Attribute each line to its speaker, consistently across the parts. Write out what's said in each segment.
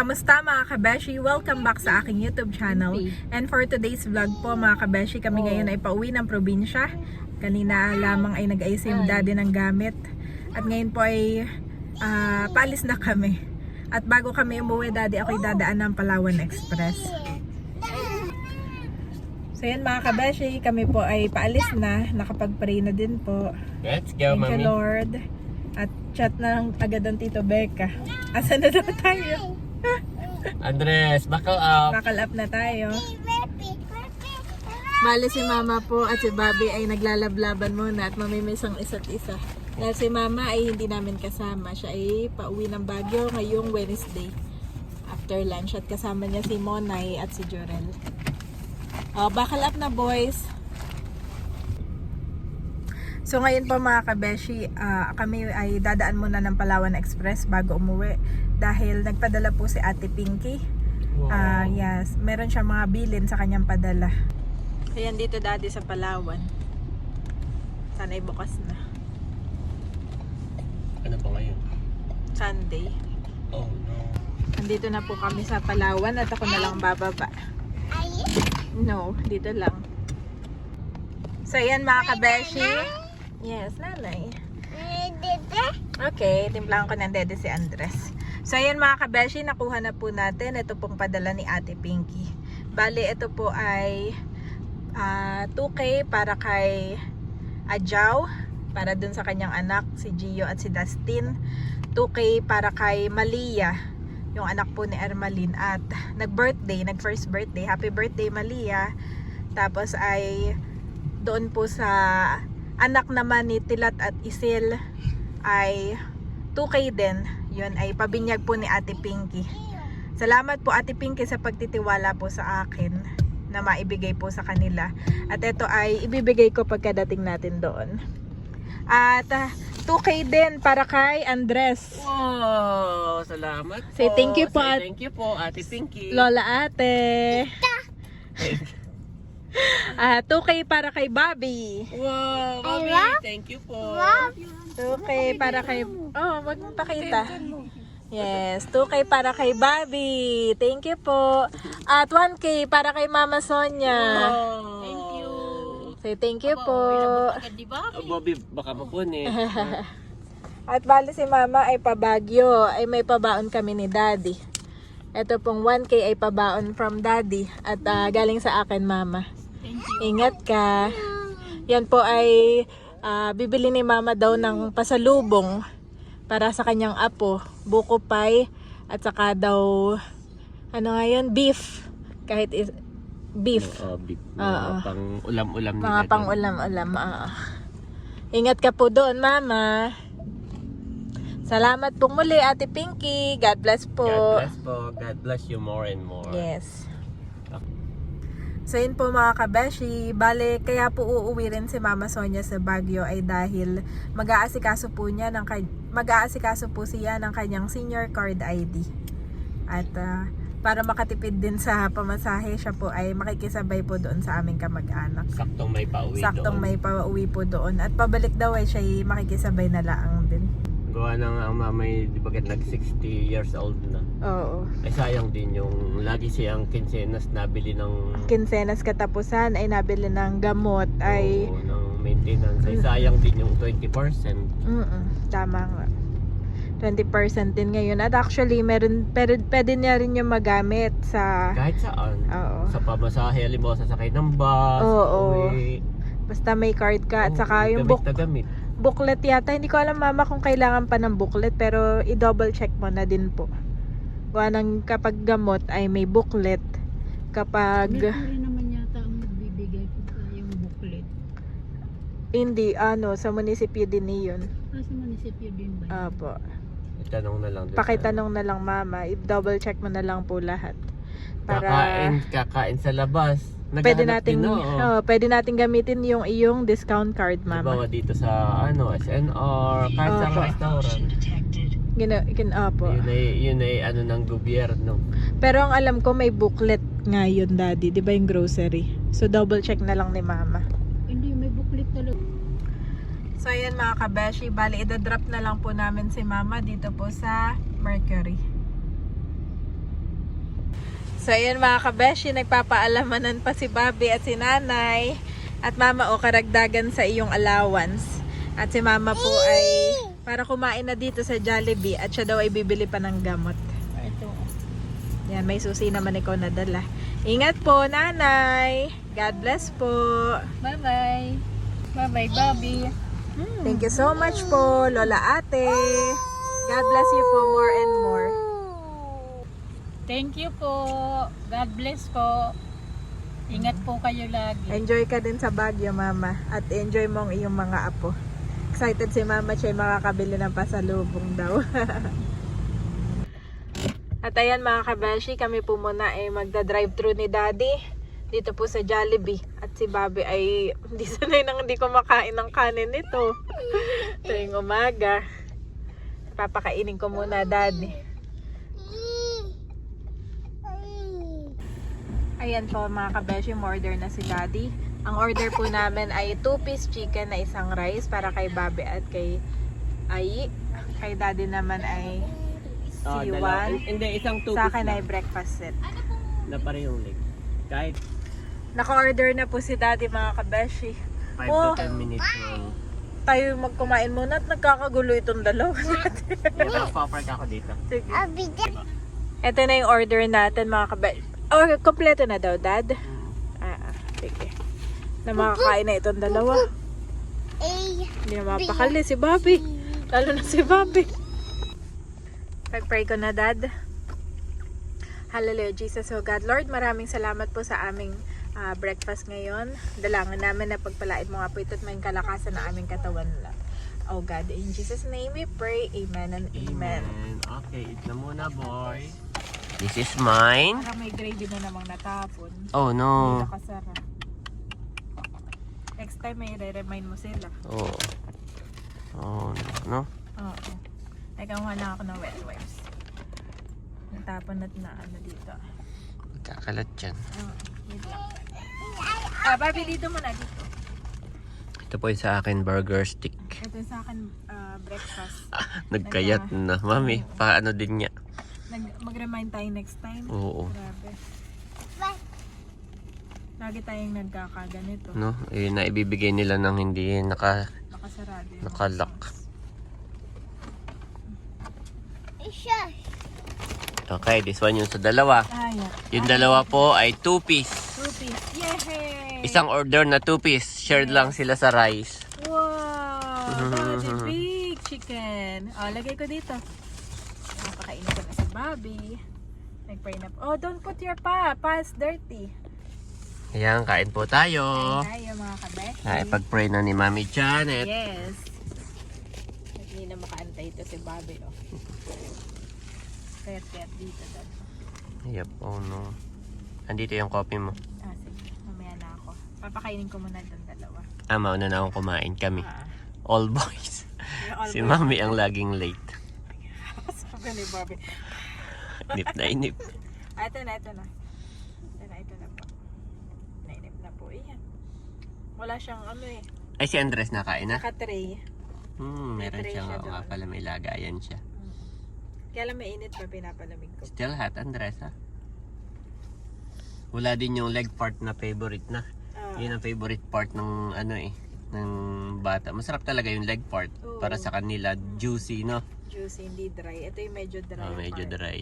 Speaker 1: Kamusta mga kabeshi? Welcome back sa aking YouTube channel. And for today's vlog po mga kabeshi, kami ngayon ay pauwi ng probinsya. Kanina lamang ay nag-ayos yung daddy ng gamit. At ngayon po ay paalis na kami. At bago kami umuwi daddy, ako'y dadaan ng Palawan Express. So yan mga kabeshi, kami po ay paalis na. Nakapag-pray na din po.
Speaker 2: Let's go,
Speaker 1: Thank you
Speaker 2: Mami.
Speaker 1: Lord. At chat na lang agad ang Tito Becca. Asa na daw tayo?
Speaker 2: Andres, buckle up.
Speaker 1: Buckle up na tayo. Bale si Mama po at si Bobby ay naglalablaban muna at mamimiss ang isa't isa. Dahil si Mama ay hindi namin kasama. Siya ay pauwi ng Baguio ngayong Wednesday after lunch at kasama niya si Monay at si Jorel. Buckle up na boys. So ngayon po mga kabeshi, kami ay dadaan muna ng Palawan Express bago umuwi dahil nagpadala po si Ate Pinky.
Speaker 2: Wow.
Speaker 1: Yes, meron siya mga bilin sa kanyang padala. Ayan dito daddy sa Palawan. Sana'y bukas na.
Speaker 2: Ano pa ngayon?
Speaker 1: Sunday.
Speaker 2: Oh no.
Speaker 1: Andito na po kami sa Palawan at ako na lang bababa. No, dito lang. So ayan mga kabeshi. Yes, nanay. Okay, timplahan ko ng dede si Andres. So ayan mga kabeshi, nakuha na po natin. Ito pong padala ni Ate Pinky. Bali, ito po ay 2K para kay Ajaw, para dun sa kanyang anak, si Gio at si Dustin. 2K para kay Malia, yung anak po ni Ermalyn. At nag-first birthday. Happy birthday Malia. Tapos ay doon po sa anak naman ni Tilat at Isil ay 2K din. Yun ay pabinyag po ni Ate Pinky. Salamat po Ate Pinky sa pagtitiwala po sa akin na maibigay po sa kanila. At ito ay ibibigay ko pagkadating natin doon. At 2K din para kay Andres.
Speaker 2: Wow, salamat po.
Speaker 1: Say thank you po,
Speaker 2: Thank you po, Ate Pinky.
Speaker 1: Lola Ate. 2K para kay Bobby.
Speaker 2: Wow, Mami, thank you po.
Speaker 1: 2K para kay... Oh, wag mong pakita. Yes, 2K para kay Bobby. Thank you po. At 1K para kay Mama Sonia.
Speaker 2: Wow. Thank you.
Speaker 1: Say thank you po.
Speaker 2: Bobby, baka mapunit.
Speaker 1: At bali si Mama ay pabagyo. Ay may pabaon kami ni Daddy. Ito pong 1K ay pabaon from Daddy. At galing sa akin Mama. Ingat ka. Yan po ay bibili ni Mama daw ng pasalubong para sa kanyang apo, buko pie at saka daw ano nga yun, beef. Kahit beef.
Speaker 2: Beef. Mga pang ulam-ulam nila.
Speaker 1: Mga pang ulam-ulam. Ingat ka po doon, Mama. Salamat po muli, Ate Pinky. God bless po.
Speaker 2: God bless po. God bless you more and more.
Speaker 1: Yes. So yun po mga kabeshi, bale kaya po uuwi rin si Mama Sonia sa Baguio ay dahil mag-aasikaso po siya ng kanyang senior card ID. At para makatipid din sa pamasahe, siya po ay makikisabay po doon sa aming kamag-anak.
Speaker 2: Saktong may pauwi
Speaker 1: Saktong
Speaker 2: doon.
Speaker 1: may pauwi po doon. At pabalik daw ay siya ay makikisabay na laang din.
Speaker 2: Gawa ng ang mamay, di ba nag 60 years old na.
Speaker 1: Oo.
Speaker 2: Ay sayang din yung lagi siyang kinsenas nabili ng
Speaker 1: Kinsenas katapusan ay nabili ng gamot ay
Speaker 2: ng maintenance. Ay sayang din yung 20%.
Speaker 1: Tama nga. 20% din ngayon. At actually, pwede niya rin yung magamit sa...
Speaker 2: Kahit saan.
Speaker 1: Oo.
Speaker 2: Sa pamasahe, halimbawa sasakay ng bus,
Speaker 1: Oo.
Speaker 2: uwi.
Speaker 1: Basta may card ka. At saka yung
Speaker 2: gamit na gamit.
Speaker 1: booklet yata. Hindi ko alam Mama kung kailangan pa ng booklet. Pero i-double check mo na din po. Kapag gamot ay may booklet. Kapag...
Speaker 3: Hindi naman yata ang nagbibigay ko sa yung booklet.
Speaker 1: Hindi, sa munisipyo din yun.
Speaker 3: Sa munisipyo din ba?
Speaker 1: Apo.
Speaker 2: Itanong na lang.
Speaker 1: Pakitanong na lang Mama. I-double check mo na lang po lahat. Para...
Speaker 2: Kakain sa labas.
Speaker 1: Pwede
Speaker 2: Naghahanap
Speaker 1: nating
Speaker 2: din,
Speaker 1: pwede nating gamitin yung iyong discount card, Mama.
Speaker 2: Halimbawa dito sa SNR, kahit sa
Speaker 1: Opo.
Speaker 2: restaurant.
Speaker 1: Opo.
Speaker 2: Yun ay ano ng gobyerno.
Speaker 1: Pero ang alam ko may booklet ngayon, Daddy, 'di ba yung grocery? So double check na lang ni Mama.
Speaker 3: Hindi, may booklet talaga.
Speaker 1: So ayan mga kabeshi, bali, idadrop na lang po namin si Mama dito po sa Mercury.
Speaker 3: 100
Speaker 1: Ayan So ayan mga kabeshi, nagpapaalamanan pa si Bobby at si Nanay. At Mama o karagdagan sa iyong allowance. At si Mama po ay para kumain na dito sa Jollibee at siya daw ay bibili pa ng gamot.
Speaker 3: Ito.
Speaker 1: Yan, may susi naman ikaw nadala. Ingat po, Nanay. God bless po.
Speaker 3: Bye-bye. Bye-bye, Bobby.
Speaker 1: Thank you so much po, Lola Ate. God bless you po more and more.
Speaker 3: Thank you po. God bless po. Ingat po kayo lagi.
Speaker 1: Enjoy ka din sa Baguio, Mama. At enjoy mo ang iyong mga apo. Excited si Mama siya ay makakabili ng pasalubong daw. At ayan mga kabeshi, kami po muna ay magda-drive-thru ni Daddy dito po sa Jollibee. At si Bobby ay hindi sanay nang hindi kumakain ng kanin nito. Tuwing umaga. Papakainin ko muna, Daddy. Ayan po mga kabeshi, order na si Daddy. Ang order po namin ay 2-piece chicken na isang rice para kay Bobby at kay Ai. Kay Daddy naman ay C1.
Speaker 2: Hindi, isang 2
Speaker 1: Sa akin ay breakfast set.
Speaker 2: na parehong leg. Kahit
Speaker 1: Naka-order na po si Daddy mga kabeshi.
Speaker 2: 5
Speaker 1: Oh.
Speaker 2: to 10 minutes lang.
Speaker 1: Tayo magkumain muna at nagkakagulo itong dalawa natin.
Speaker 2: Magpa-park ako dito.
Speaker 1: Sige. Ito na yung order natin mga kabeshi. Oh, kompleto na daw, Dad? Sige. Na makakain na itong dalawa. Hindi na mapakali si Bobby. Lalo na si Bobby. Pag-pray ko na, Dad. Hallelujah, Jesus, oh God. Lord, maraming salamat po sa aming breakfast ngayon. Dalangin namin na pagpalain mo nga po ito at may kalakasan na aming katawan na. Oh God, in Jesus' name we pray. Amen and amen.
Speaker 2: Okay, eat na muna, boy. This is mine.
Speaker 1: Parang may gravy na namang natapon.
Speaker 2: Oh,
Speaker 1: Hindi
Speaker 2: no.
Speaker 1: nakasara. Next time may re-remind mo sila.
Speaker 2: Oh. Oh, no.
Speaker 1: Oo. Nagkakuha lang ako ng wet wipes. Natapon na ano dito.
Speaker 2: Magkakalat yan.
Speaker 1: Wait lang. Barbie, dito muna dito.
Speaker 2: Ito po yung sa akin burger stick.
Speaker 1: Ito yung sa akin breakfast.
Speaker 2: Nagkayat na. Mami, paano din niya?
Speaker 1: Mag-remind tayo next time.
Speaker 2: Oo.
Speaker 1: Grabe. Lagi tayong nagkakaganito.
Speaker 2: No, eh, naibibigay nila ng hindi
Speaker 1: Nakasarado yung
Speaker 2: nakalock. Okay, this one yung sa dalawa. Yung dalawa po ay 2-piece.
Speaker 1: 2-piece. Yay!
Speaker 2: Isang order na 2-piece. Shared lang sila sa rice.
Speaker 1: Wow! That's a big chicken. Oh, lagay ko dito. Napakainin ko na si Bobby. Nag-pray na po. Oh, don't put your pa. Pa is dirty.
Speaker 2: Ayan, kain po tayo.
Speaker 1: Kain tayo mga kabeshi.
Speaker 2: Pag-pray na ni Mami Janet.
Speaker 1: Yes. Hindi na makaantay ito si Bobby. Oh. Kaya dito. Dad.
Speaker 2: Yep, oh no. Andito yung coffee mo.
Speaker 1: Sige. Mamaya na ako. Papakainin ko muna itong dalawa.
Speaker 2: Mauna na akong kumain kami. All boys.
Speaker 1: All
Speaker 2: Si
Speaker 1: boys.
Speaker 2: Mami ang laging late.
Speaker 1: Sabi ni Bobby.
Speaker 2: Nip na inip.
Speaker 1: Ito na. Ito na po. Nainip na po. Iyan. Wala siyang ano eh.
Speaker 2: Ay, si Andres nakain na?
Speaker 1: Naka-tray.
Speaker 2: Meron
Speaker 1: tray
Speaker 2: siyang
Speaker 1: siya
Speaker 2: nga
Speaker 1: doon.
Speaker 2: pala, may lagayan siya.
Speaker 1: Kaya lang mainit pa pinapalamig ko.
Speaker 2: Still hot, Andres, ha? Wala din yung leg part na favorite na. Yun ang favorite part ng ano eh, ng bata. Masarap talaga yung leg part.
Speaker 1: Oo.
Speaker 2: Para sa kanila, juicy, no?
Speaker 1: Juicy, hindi dry. Ito yung medyo dry.
Speaker 2: Medyo
Speaker 1: part.
Speaker 2: dry.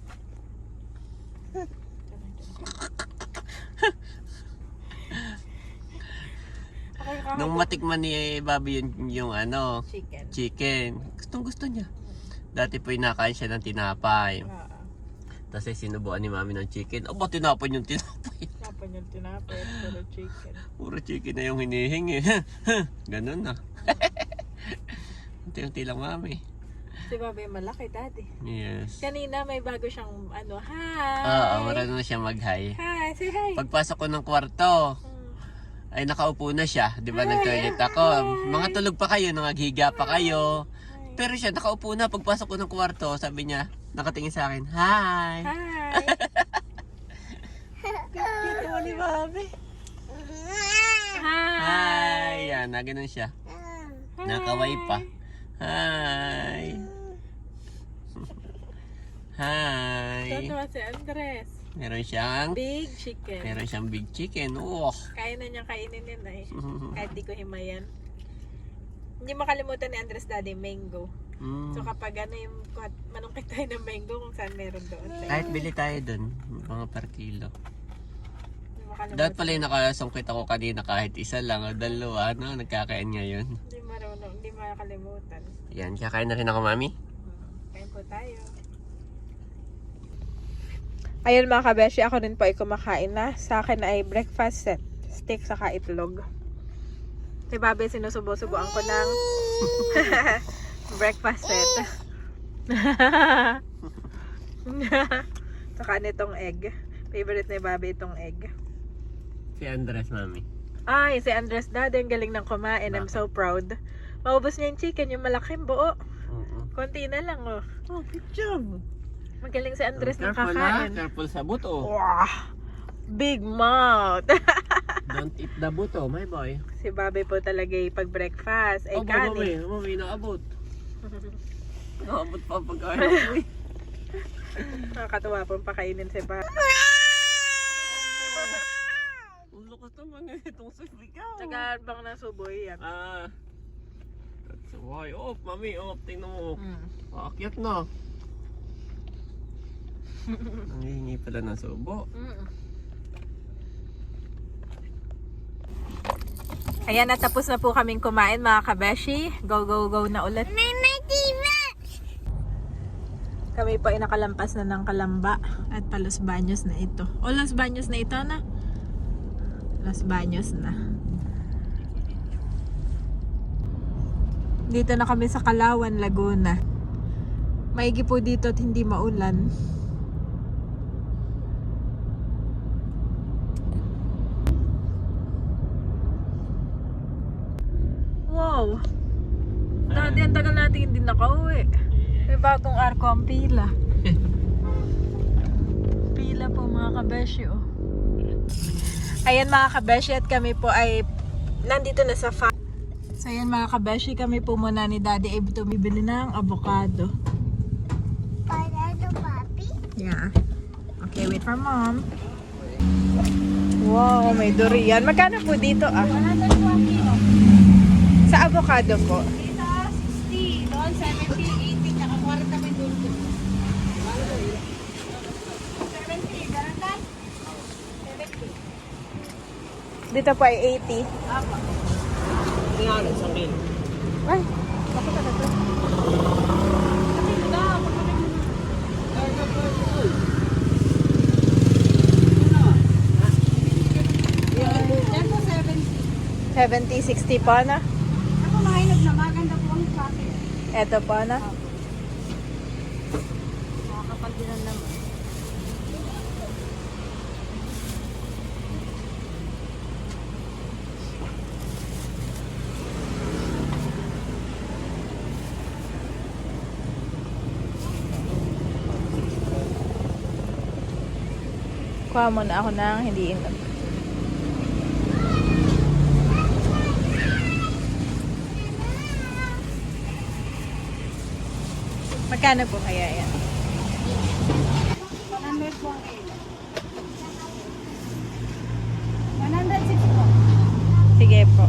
Speaker 2: Nung matikman ni Bobby yung ano, chicken, gustong gusto niya. Dati po inakain siya ng tinapay. Tapos sinubuan ni Mami ng chicken. Aba, tinapay yung tinapay.
Speaker 1: Tinapay yung tinapay. Puro chicken.
Speaker 2: Puro chicken na yung hinihingi. Ganun na. Unti-unti lang, Mami.
Speaker 1: Si Bobby malaki, Daddy.
Speaker 2: Yes.
Speaker 1: Kanina may bago siyang ano, hi!
Speaker 2: Oo, marunong na siya mag-hi.
Speaker 1: Hi, say hi!
Speaker 2: Pagpasok ko ng kwarto, ay nakaupo na siya. Di ba, nag-toilet ako. Mga tulog pa kayo, nangaghiga pa kayo. Pero siya, nakaupo na. Pagpasok ko ng kwarto, sabi niya, nakatingin sa akin, hi!
Speaker 1: Hi!
Speaker 2: Cute mo ni Bobby.
Speaker 1: Hi!
Speaker 2: Hi! Yan, na ganun siya. Nakaway pa. Hi! Hi!
Speaker 1: Totoo si Andres.
Speaker 2: Meron siyang
Speaker 1: Big chicken.
Speaker 2: big chicken. Oh.
Speaker 1: Kaya na niyang kainin yun eh. Kahit di ko himayan. Hindi makalimutan ni Andres Daddy, mango. So kapag ano yung manungkit tayo ng mango kung saan meron doon.
Speaker 2: Kahit bili tayo dun, mga per kilo.
Speaker 1: Hindi makalimutan.
Speaker 2: Dapat pala yung nakasungkit ako kanina kahit isa lang o dalawa, no? Nagkakain ngayon.
Speaker 1: Hindi marunong, hindi makalimutan.
Speaker 2: Yan, kakain na rin ako, mami.
Speaker 1: Kain po tayo. Ayun mga kabeshi, ako rin po ay kumakain na. Sa akin ay breakfast set. Steak saka itlog. Si Babe, sinusubo-subuan ko ng breakfast set. Saka nitong egg. Favorite ni Babe itong egg.
Speaker 2: Si Andres, mami.
Speaker 1: Ay, si Andres Daddy, ang galing ng kumain. I'm so proud. Maubos niya yung chicken, yung malaking buo. Konti na lang, oh.
Speaker 2: Oh, good job.
Speaker 1: Magaling si Andres ng
Speaker 2: Careful
Speaker 1: kakain.
Speaker 2: Careful sa buto.
Speaker 1: Wow! Big mouth!
Speaker 2: Don't eat the buto, my boy.
Speaker 1: Si Babe po talaga pag breakfast ay kanin.
Speaker 2: Mami, naabot. Naabot pa pagkain.
Speaker 1: Nakakatuwa pong pakainin si Babe.
Speaker 2: Ang lakas naman itong sisigaw.
Speaker 1: Tsagaan bang nasuboy yan?
Speaker 2: That's why. Oh, mami, tingnan mo.
Speaker 1: Mm.
Speaker 2: Aakyat na. Ang hihingi pala ng subo.
Speaker 1: Ayan, natapos na po kaming kumain mga kabeshi. Go, go, go na ulit. Kami po ay nakalampas na ng Kalamba at pa Los Baños na ito. O, Los Baños na ito na. Los Baños na. Dito na kami sa Kalawan, Laguna. Maigi po dito at hindi maulan. Wow! Dati ang tagal natin hindi nakauwi. May bagong arko ang pila. Pila po mga kabeshi, oh. Ayan mga kabeshi, at kami po ay nandito na sa farm. So ayan mga kabeshi, kami po muna ni Daddy ay bumibili ng avocado.
Speaker 4: Avocado, papi?
Speaker 1: Yeah. Okay, wait for mom. Wow, may durian. Magkano po dito ah?
Speaker 3: 100 kilo.
Speaker 1: Sa avocado po.
Speaker 3: Dito, 60. Doon, 70, 80. Tsaka 40 may dulce. 70. Ganun tayo? 70.
Speaker 1: Dito po ay 80.
Speaker 3: Apa.
Speaker 2: Hindi nga, isang kilo.
Speaker 1: Ay, ako talaga.
Speaker 3: Kapit daw. Kapit mo. Yan po, 70.
Speaker 1: 70, 60 po na.
Speaker 3: Ako mahinog na. Maganda po ang packet.
Speaker 1: Eto po na.
Speaker 3: Makakapal din ang naman.
Speaker 1: Kuha mo na ako ng hindi inog. Magkano po kaya yan?
Speaker 3: 100 po ang kilo. 106 po.
Speaker 1: Sige po.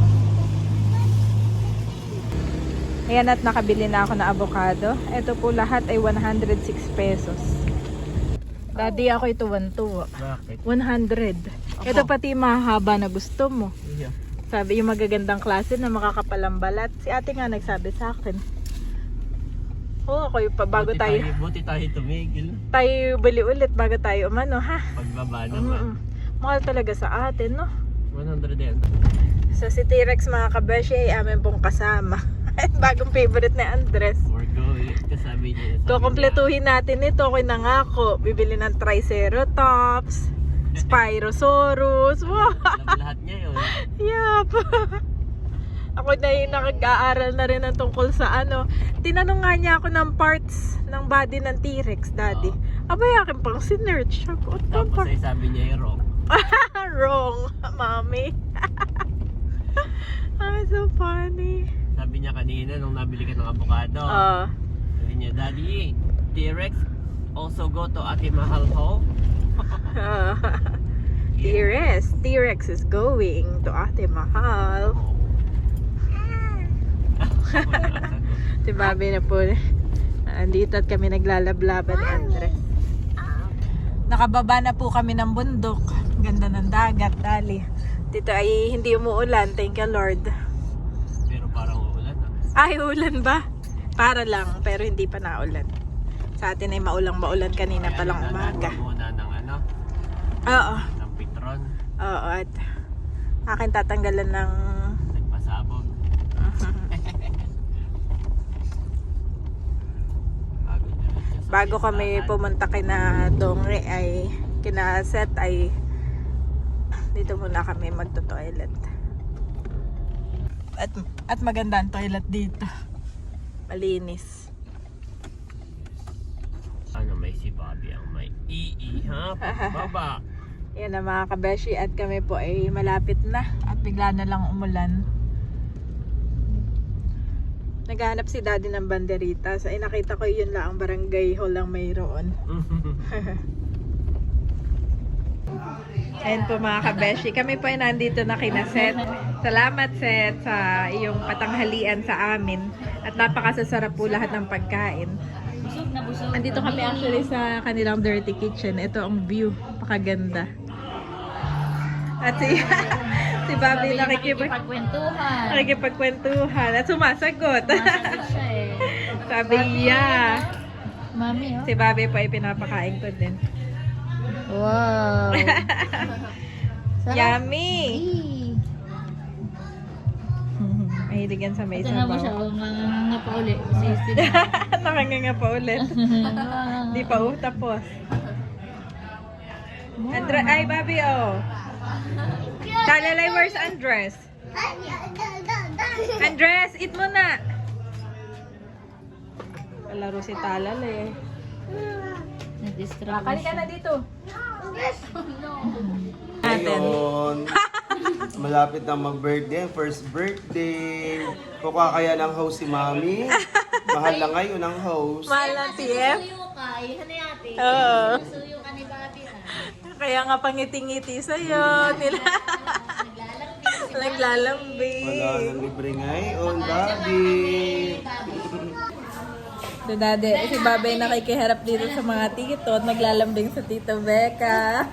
Speaker 1: Ayan, at nakabili na ako ng avocado. Ito po lahat ay 106 pesos. Daddy, ako ito 100.
Speaker 2: Bakit?
Speaker 1: 100. Ito pati mahaba na gusto mo.
Speaker 2: Yeah.
Speaker 1: Sabi yung magagandang klase na makakapalang balat. Si ate nga nagsabi sa akin. Oo, ako yung bago tayo
Speaker 2: Buti tayo tumigil.
Speaker 1: bili ulit bago tayo umano, ha?
Speaker 2: Pagbaba naman.
Speaker 1: Mahal talaga sa atin, no?
Speaker 2: 100 yan.
Speaker 1: So si T-Rex mga kabeshi ay amin pong kasama. Bagong favorite ni Andres.
Speaker 2: We're going. Kasabi niya.
Speaker 1: Kukumpletuhin natin ito. Ako'y nangako. Bibili ng Triceratops, Spyrosaurus. Wow!
Speaker 2: Alam lahat niya yun.
Speaker 1: Yup! Ako na yung nakag-aaral na rin ng tungkol sa ano. Tinanong nga niya ako ng parts ng body ng T-Rex, Daddy. Abay, akin pang sinerch.
Speaker 2: Tapos ay sabi niya yung wrong.
Speaker 1: Wrong, mommy. Ay, so funny.
Speaker 2: Sabi niya kanina nung nabili ka ng avocado. Sabi niya, Daddy, T-Rex also go to Ate Mahal home.
Speaker 1: T-Rex is going to Ate Mahal. Si Bobby na po. Andito at kami naglalablaban ni Andres. Nakababa na po kami ng bundok. Ganda ng dagat, dali. Dito ay hindi umuulan, thank you Lord.
Speaker 2: Pero parang uulan
Speaker 1: Ay, ulan ba? Para lang, pero hindi pa naulan. Sa atin ay maulang-maulan kanina pa lang umaga.
Speaker 2: Muna ng ano?
Speaker 1: Oo.
Speaker 2: Ng pitron.
Speaker 1: Oo, at akin tatanggalan ng...
Speaker 2: Nagpasabog.
Speaker 1: Bago kami pumunta kina Dongre ay kina Seth ay dito muna kami magto-toilet. At maganda ang toilet dito. Malinis.
Speaker 2: Ano may si Bobby ang may ha? Baba.
Speaker 1: Yan na mga kabeshi at kami po ay malapit na at bigla na lang umulan. Naghahanap si daddy ng banderitas. Ay nakita ko yun lang ang barangay hall lang mayroon. Ayan po mga kabeshi. Kami po ay nandito na kina Seth. Salamat Seth sa iyong patanghalian sa amin. At napakasasarap po lahat ng pagkain.
Speaker 3: Busog na busog.
Speaker 1: Andito kami actually sa kanilang dirty kitchen. Ito ang view. Pakaganda. At si Bobby
Speaker 3: nakikipagkwentuhan.
Speaker 1: Nakikipagkwentuhan. At sumasagot.
Speaker 3: Masagot siya eh.
Speaker 1: Sabi niya.
Speaker 3: Mami, oh.
Speaker 1: Si Bobby po ay pinapakain ko din.
Speaker 3: Wow.
Speaker 1: Yummy!
Speaker 3: Hey.
Speaker 1: Mahilig yan sa may
Speaker 3: Tingnan mo siya,
Speaker 1: sabaw.
Speaker 3: oh, nga pa uli. Sisig.
Speaker 1: Nakanganga pa ulit. Di pa tapos. Ay, Bobby, oh. Talalay, where's Andres? Andres, eat mo na. Palaro si Talalay.
Speaker 3: Nag-distract
Speaker 1: Kali ka na dito.
Speaker 5: Ngayon, malapit na mag-birthday, first birthday. Kuka kaya ng host si Mami. Mahal na ngayon ang host.
Speaker 1: Mahal ng TF. Oo. Kaya nga pangiti-ngiti sa'yo. Naglalambing.
Speaker 5: Wala nang libre ngayon, Daddy.
Speaker 1: Si Daddy, si Babay nakikiharap dito sa mga tito at naglalambing sa Tito Becca.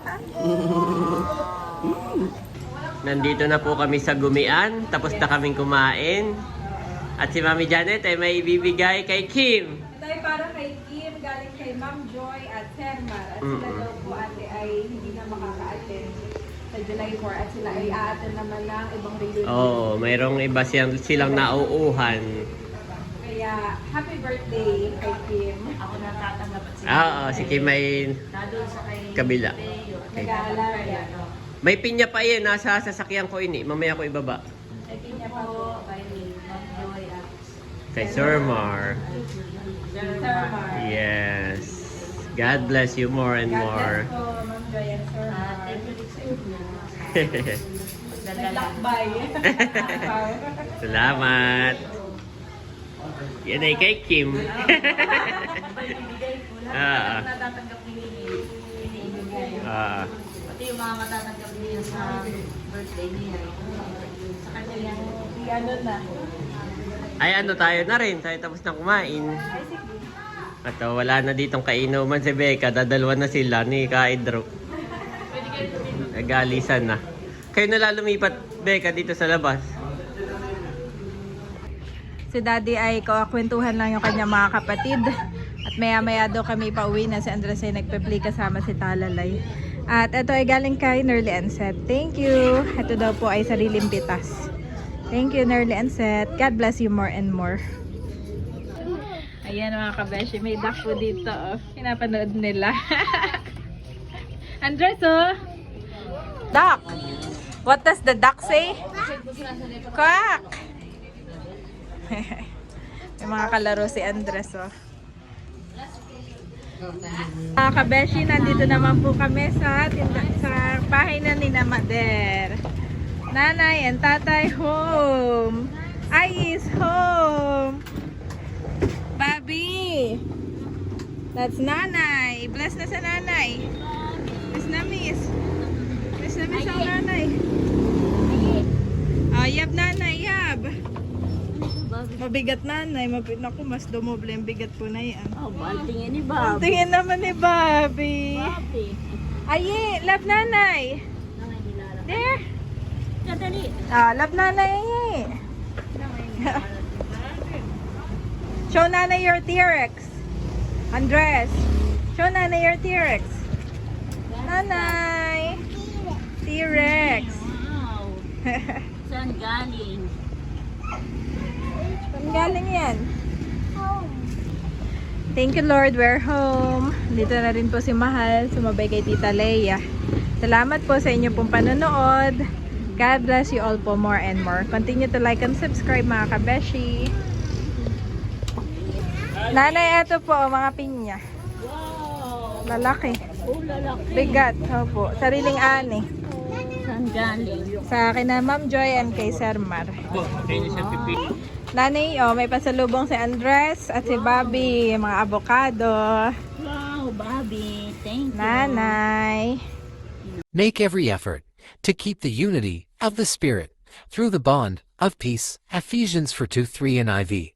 Speaker 2: Nandito na po kami sa Gumian. Tapos na kaming kumain. At si Mami Janet ay may ibibigay kay Kim.
Speaker 1: Ito ay para kay Kim, galing kay Ma'am Joy at Termar. At sila daw po ate ay hindi na makaka-attend sa July 4 at sila ay a-attend naman ng ibang reunion.
Speaker 2: Oo, mayroong iba silang nauuhan.
Speaker 1: Kaya happy birthday kay Kim.
Speaker 3: Ako na tatanggap at
Speaker 2: Oo, si Kim ay
Speaker 3: doon sa kay
Speaker 2: kabila. Okay.
Speaker 1: Nag-aalaga.
Speaker 2: May pinya pa yan, nasa sasakyan ko ini. Mamaya ko ibaba.
Speaker 1: Ay, pinya pa po.
Speaker 3: kay Ma'am Joy at
Speaker 2: Kay Sir Mar.
Speaker 1: Termar.
Speaker 2: Yes. God bless you more and
Speaker 1: God
Speaker 2: more.
Speaker 1: bless po, Ma'am Joy and Sir Mar.
Speaker 3: Dala.
Speaker 1: Naglakbay.
Speaker 2: Salamat. Yan ay kay Kim. Ah.
Speaker 3: Natatanggap ni Ibigay.
Speaker 2: Ah.
Speaker 3: Pati yung mga matatanggap niya sa birthday niya. Sa kanya yan.
Speaker 1: Ano na.
Speaker 2: Ay ano tayo na rin. Tayo tapos na kumain. At wala na ditong kainuman si Becca. Dadalwa na sila ni Kaidro. Nagalisan na. Kayo na lang lumipat, Becca, dito sa labas.
Speaker 1: Si Daddy ay kwentuhan lang yung kanyang mga kapatid. At maya-maya daw kami pauwi na si Andres ay nagpe-play kasama si Talalay. At ito ay galing kay Nerly and Seth. Thank you. Ito daw po ay sariling pitas. Thank you, Nerly and Seth. God bless you more and more. Ayan mga kabeshi, may duck po dito. Oh. Pinapanood nila. Andres, oh. Duck. What does the duck say? Quack. May mga kalaro si Andres, oh. Mga kabeshi, nandito naman po kami sa bahay na ni Mader. Nanay and tatay home. Ay is home. Bobby. That's nanay. Bless na sa nanay. na miss. Miss na miss ang nanay. Yab nanay, yab. Mabigat nanay. Naku, mas dumoble yung bigat po na yan.
Speaker 3: Oh, baltingin ni
Speaker 1: Ang
Speaker 3: Bob.
Speaker 1: tingin naman ni Bobby.
Speaker 3: Bobby.
Speaker 1: Aye, love nanay. There.
Speaker 3: Kadali.
Speaker 1: Love nanay, aye. Show nanay your T-Rex. Andres. Show nanay your T-Rex. Nanay. T-Rex.
Speaker 3: Wow. Saan galing?
Speaker 1: Saan galing yan?
Speaker 4: Home.
Speaker 1: Thank you Lord, we're home. Dito na rin po si Mahal, sumabay kay Tita Leia. Salamat po sa inyo pong panonood. God bless you all po more and more. Continue to like and subscribe mga kabeshi. Nanay, ito po mga pinya.
Speaker 3: Wow.
Speaker 1: Lalaki.
Speaker 3: Oh, lalaki.
Speaker 1: Bigat. Opo. Sariling ani.
Speaker 3: Saan galing?
Speaker 1: Sa akin na Ma'am Joy and kay Sir Mar. Nanay, may pasalubong si Andres at si Bobby. Mga avocado.
Speaker 3: Wow, Bobby. Thank you.
Speaker 1: Nanay.
Speaker 6: Make every effort to keep the unity of the Spirit through the bond of peace. Ephesians 4:2-3 NIV.